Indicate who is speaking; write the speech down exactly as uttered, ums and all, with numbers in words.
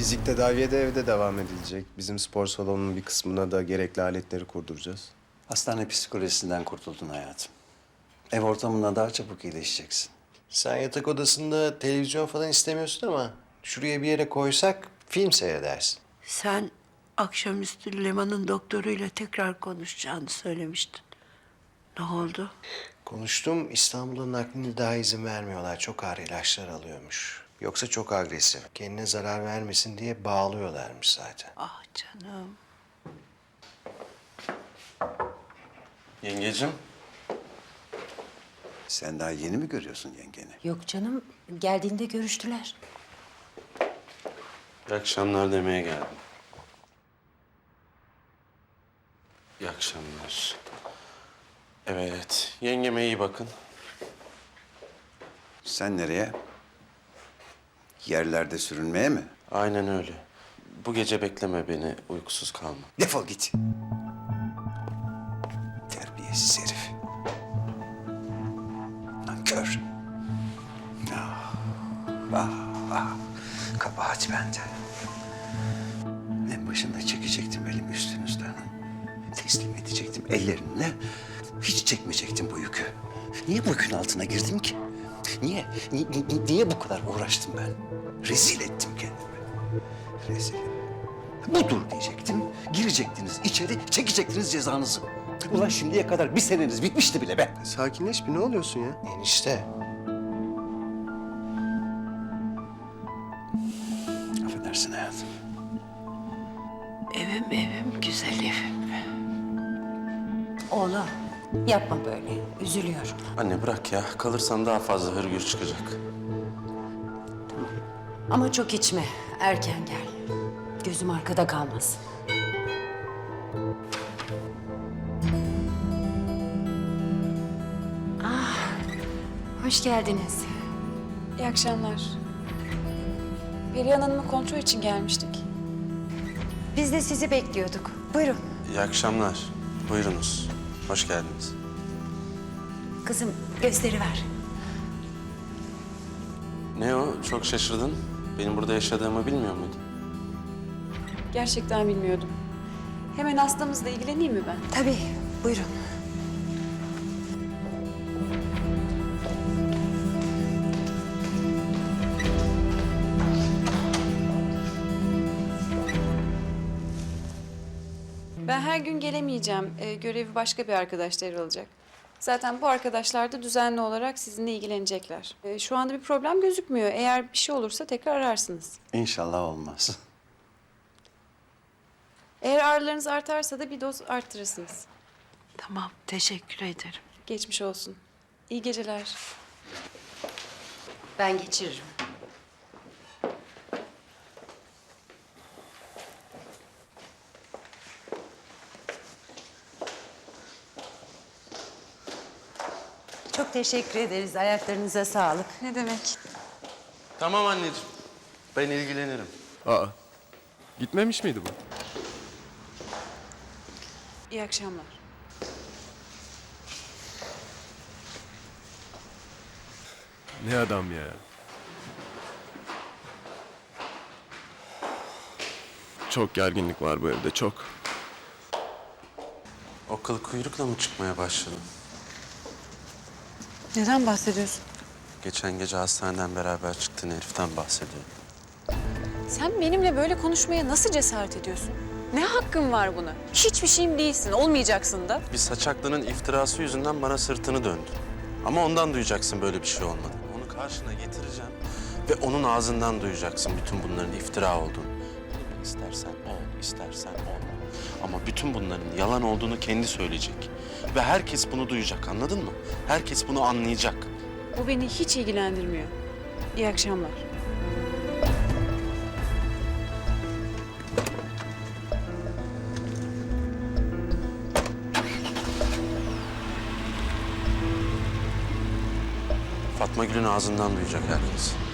Speaker 1: Fizik tedaviye de evde devam edilecek. Bizim spor salonunun bir kısmına da gerekli aletleri kurduracağız.
Speaker 2: Hastane psikolojisinden kurtuldun hayatım. Ev ortamında daha çabuk iyileşeceksin.
Speaker 3: Sen yatak odasında televizyon falan istemiyorsun ama şuraya bir yere koysak film seyredersin.
Speaker 4: Sen akşamüstü Leman'ın doktoruyla tekrar konuşacağını söylemiştin. Ne oldu?
Speaker 3: Konuştum, İstanbul'un naklini daha izin vermiyorlar. Çok ağır ilaçlar alıyormuş. Yoksa çok agresif. Kendine zarar vermesin diye bağlıyorlarmış zaten.
Speaker 4: Ah canım.
Speaker 5: Yengecim.
Speaker 2: Sen daha yeni mi görüyorsun yengeni?
Speaker 6: Yok canım, geldiğinde görüştüler.
Speaker 5: İyi akşamlar demeye geldim. İyi akşamlar. Evet, yengeme iyi bakın.
Speaker 2: Sen nereye? Yerlerde sürünmeye mi?
Speaker 5: Aynen öyle. Bu gece bekleme beni, uykusuz kalma.
Speaker 2: Defol git. Terbiyesiz herif. Nankör. Ah, ah, ah. Kabahat bende. En başında çekecektim elimi üstünüzden. Teslim edecektim ellerinle. Hiç çekmeyecektim bu yükü. Niye bu yükün altına girdim ki? Niye? Ni- ni- niye bu kadar uğraştım ben? Rezil ettim kendimi. Rezil. Budur diyecektim. Girecektiniz içeri, çekecektiniz cezanızı. Ulan şimdiye kadar bir seneniz bitmişti bile be.
Speaker 1: Sakinleş bir, ne oluyorsun ya?
Speaker 3: Enişte,
Speaker 2: Affedersin hayatım.
Speaker 4: Evim evim, güzel evim.
Speaker 6: Oğlum, yapma böyle. Üzülüyor.
Speaker 5: Anne bırak ya, kalırsan daha fazla hırgür çıkacak.
Speaker 6: Ama çok içme. Erken gel. Gözüm arkada kalmasın. Ah, hoş geldiniz.
Speaker 7: İyi akşamlar. Perihan Hanım'ı kontrol için gelmiştik.
Speaker 6: Biz de sizi bekliyorduk. Buyurun.
Speaker 5: İyi akşamlar. Buyurunuz. Hoş geldiniz.
Speaker 6: Kızım, gösteri ver.
Speaker 5: Ne o? Çok şaşırdın. Benim burada yaşadığımı bilmiyor muydun?
Speaker 7: Gerçekten bilmiyordum. Hemen hastamızla ilgileneyim mi ben?
Speaker 6: Tabii, buyurun.
Speaker 7: Ben her gün gelemeyeceğim. Ee, görevi başka bir arkadaş devralacak. Zaten bu arkadaşlar da düzenli olarak sizinle ilgilenecekler. Ee, şu anda bir problem gözükmüyor. Eğer bir şey olursa tekrar ararsınız.
Speaker 2: İnşallah olmaz.
Speaker 7: Eğer ağrılarınız artarsa da bir doz arttırırsınız.
Speaker 4: Tamam, teşekkür ederim.
Speaker 7: Geçmiş olsun. İyi geceler.
Speaker 6: Ben geçiririm. Çok teşekkür ederiz. Ayaklarınıza sağlık.
Speaker 7: Ne demek?
Speaker 5: Tamam anneciğim. Ben ilgilenirim.
Speaker 1: Aa, gitmemiş miydi bu?
Speaker 7: İyi akşamlar.
Speaker 1: Ne adam ya. Çok gerginlik var bu evde, çok.
Speaker 5: O kıl kuyrukla mı çıkmaya başladın?
Speaker 7: Neden bahsediyorsun?
Speaker 5: Geçen gece hastaneden beraber çıktığın heriften bahsediyorum.
Speaker 7: Sen benimle böyle konuşmaya nasıl cesaret ediyorsun? Ne hakkın var buna? Hiçbir şeyim değilsin, olmayacaksın da.
Speaker 5: Bir saçaklının iftirası yüzünden bana sırtını döndü. Ama ondan duyacaksın böyle bir şey olmadı. Onu karşına getireceğim ve onun ağzından duyacaksın bütün bunların iftira olduğunu. Bunu istersen ol, istersen olma. Ama bütün bunların yalan olduğunu kendi söyleyecek. Ve herkes bunu duyacak, anladın mı? Herkes bunu anlayacak.
Speaker 7: Bu beni hiç ilgilendirmiyor. İyi akşamlar.
Speaker 5: Fatma Gül'ün ağzından duyacak herkes.